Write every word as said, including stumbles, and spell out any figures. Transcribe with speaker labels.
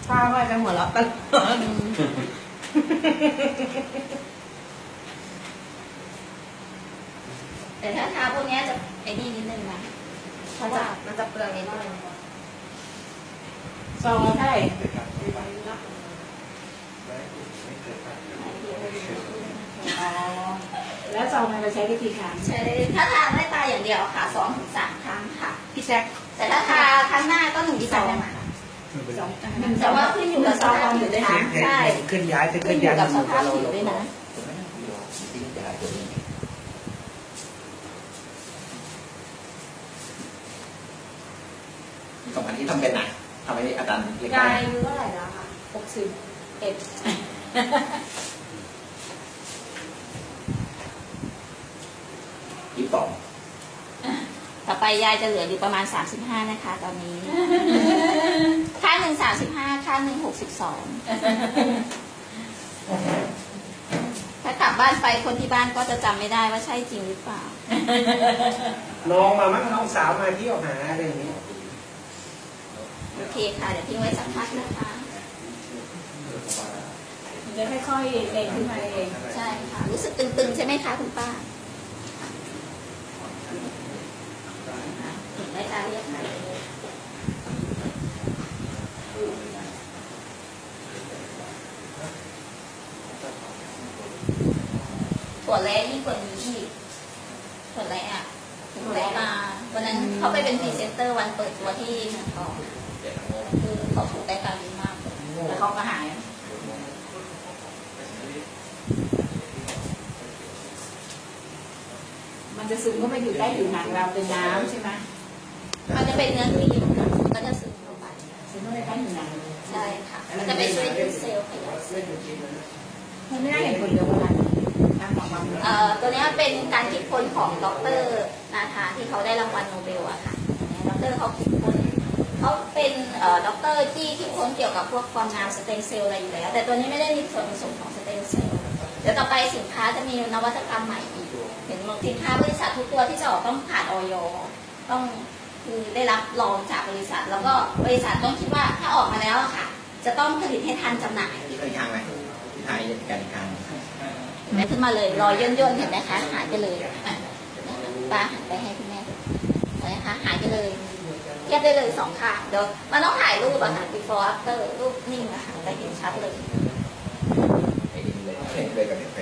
Speaker 1: ป้าว่าจะหัวเราะตลอด
Speaker 2: แต่ถ้าทาพวกนี้จะไอ้นี่นิดนึงนะเพราะว่ามันจะเปลืองนิดนึง
Speaker 1: ซองละเท่าไหร่อ๋อแล้วซองมันเราใช้วิธีทาน
Speaker 2: ใช่ถ้าทาไม่ตาอย่างเดียวค่ะสองถึงสามครั้งค่ะ
Speaker 1: พี่แจ็ค
Speaker 2: แต่ถ้าทาครั้งหน้าก็หนึ่งที่สอง
Speaker 1: สอง
Speaker 2: แต่ว่าขึ้นอยู่กับสภาพผิวด้วยนะใช่
Speaker 3: ขึ้นย้ายขึ้น
Speaker 2: ขึ้นอยู่
Speaker 3: ย้าย
Speaker 2: กับสภาพผิวด้วยนะ
Speaker 3: สองอันที่ทำเป็นนะทำให้อาจารย์เล็ก
Speaker 2: ยายอายุเท่าไหร่แล้วคะหกสิบเอ็ด
Speaker 3: ยี่สิบสอง
Speaker 2: ต่อไปยายจะเหลืออยู่ประมาณสามสิบห้านะคะตอนนี้ค่าหนึ่งสามสิบห้าค่าหนึ่งหกสิบสองถ้ากลับบ้านไปคนที่บ้านก็จะจำไม่ได้ว่าใช่จริงหรือเปล่า
Speaker 3: น้องมามั้งน้องสาวมาเที่ยวหาอะไรอย่างนี้
Speaker 2: โอเคค่ะเดี๋ยวทิ้งไว้สักพักนะคะ
Speaker 1: มันจะค่อยๆเองขึ้นมาเอง
Speaker 2: ใช่ค่ะรู้สึกตึงๆใช่ไหมคะคุณป้าถึงได้ตาเรียกค่ะถั่วแร้ยิ่งกว่านี้อีกถั่วแร้อะถั่วแร้มาวันนั้นเขาไปเป็นพรีเซนเตอร์วันเปิดตัวที่เมืองทองคือเขาถูกได้ตาดีมากแล้วเขาก็หาย
Speaker 1: มันจะซึมเข้าไปอยู่ใต้ผิวหนังเราเป็นน้ำใช่ไหม
Speaker 2: มันจะเป็นเนื้อครีมค่ะก็จะซึมเข้าไป
Speaker 1: ซึมเข้าไปใต้ผิวหนัง
Speaker 2: ใช่ค่ะมันจะไปช่วยยืดเซลล์ขยายเซลล์
Speaker 1: มันไม่ได้เห็นผลเร็วขนาดนี้
Speaker 2: เอ่อตัวนี้เป็นการคิดค้นของดร.นาธาที่เขาได้รางวัลโนเบลอะค่ะดร.เขาคิดค้นเขาเป็นเอ่อด็อกเตอร์ที่คิดค้นเกี่ยวกับพวกความงามสเต็มเซลล์อะไรอยู่แล้วแต่ตัวนี้ไม่ได้มีส่วนผสมของสเต็มเซลล์เดี๋ยวต่อไปสินค้าจะมีนวัตกรรมใหม่อีกเห็นสินค้าบริษัททุกตัวที่จะออกต้องผ่านออยต้องคือได้รับรองจากบริษัทแล้วก็บริษัทต้องคิดว่าถ้าออกมาแล้วค่ะจะต้องผลิตให้ทันจำหน่าย
Speaker 3: ที่เคยทางไหมที่ไทยกันทาง
Speaker 2: แม่ขึ้นมาเลยรอยย่นย่นเห็นไหมคะหายไปเลยป้าหันไปให้คุณแม่เห็นไหมคะหายไปเลยเทียบได้เลยสองข้างเดี๋ยวมันต้องถ่ายรูปอะค่ะ before after รูปนิ่งอะค่ะจะเห็นชัดเลย
Speaker 3: เห็นเลยกับเห็น